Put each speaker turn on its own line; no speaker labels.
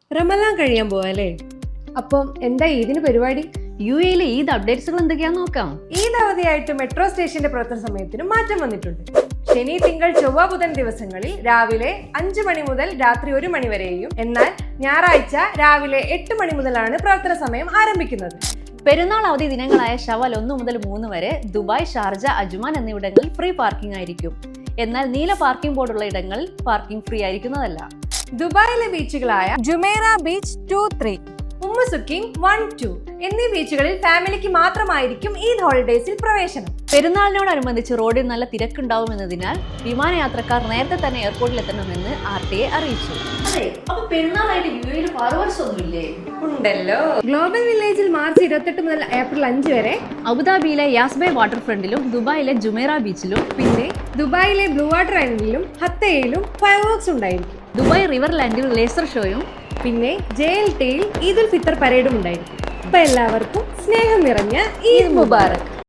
റമലാൻ കഴിയാൻ പോവാല്ലേ? അപ്പം എന്താ ഈദിന് പരിപാടി?
UAE ഈദ് അപ്ഡേറ്റ്സുകൾ എന്തൊക്കെയാന്ന് നോക്കാം.
ഈദ് അവധിയായിട്ട് മെട്രോ സ്റ്റേഷന്റെ പ്രവർത്തന സമയത്തിന് മാറ്റം വന്നിട്ടുണ്ട്. ശനി, തിങ്കൾ, ചൊവ്വ, ബുധൻ ദിവസങ്ങളിൽ രാവിലെ 5 മണി മുതൽ രാത്രി 1 മണി വരെയും, എന്നാൽ ഞായറാഴ്ച രാവിലെ 8 മണി മുതലാണ് പ്രവർത്തന സമയം ആരംഭിക്കുന്നത്.
പെരുന്നാൾ അവധി ദിനങ്ങളായ ഷവൽ 1 മുതൽ 3 വരെ ദുബായ്, ഷാർജ, അജ്മാൻ എന്നിവിടങ്ങളിൽ ഫ്രീ പാർക്കിംഗ് ആയിരിക്കും. എന്നാൽ നീല പാർക്കിംഗ് ബോർഡുള്ള ഇടങ്ങളിൽ പാർക്കിംഗ് ഫ്രീ ആയിരിക്കുന്നതല്ല.
ദുബായിലെ ബീച്ചുകളായ ജുമൈറ ബീച്ച് 2, 3, ഉമ്മ സുക്കിംഗ് 1, 2 എന്നീ ബീച്ചുകളിൽ ഫാമിലിക്ക് മാത്രമായിരിക്കും ഈദ് ഹോളിഡേസിൽ പ്രവേശനം.
പെരുന്നാളിനോടനുബന്ധിച്ച് റോഡിൽ നല്ല തിരക്കുണ്ടാവുമെന്നതിനാൽ വിമാനയാത്രക്കാർ നേരത്തെ തന്നെ എയർപോർട്ടിൽ എത്തണമെന്ന് RTA അറിയിച്ചു.
ഉണ്ടല്ലോ. ഗ്ലോബൽ വില്ലേജിൽ മാർച്ച് 28 മുതൽ ഏപ്രിൽ 5 വരെ
അബുദാബിയിലെ യാസ്ബേ വാട്ടർ ഫ്രണ്ടിലും ദുബായിലെ ജുമൈറ ബീച്ചിലും
പിന്നെ ദുബായിലെ ബ്ലൂ വാട്ടർ ഐലൻഡിലും ഹത്തയിലും ഫയർ വർക്ക്സ് ഉണ്ടായിരിക്കും.
ദുബായ് റിവർ ലാൻഡിൽ ലേസർ ഷോയും
പിന്നെ JLTയിൽ ഈദുൽ ഫിത്തർ പരേഡും ഉണ്ടായിരിക്കും. അപ്പൊ എല്ലാവർക്കും സ്നേഹം നിറഞ്ഞ ഈദ് മുബാറക്.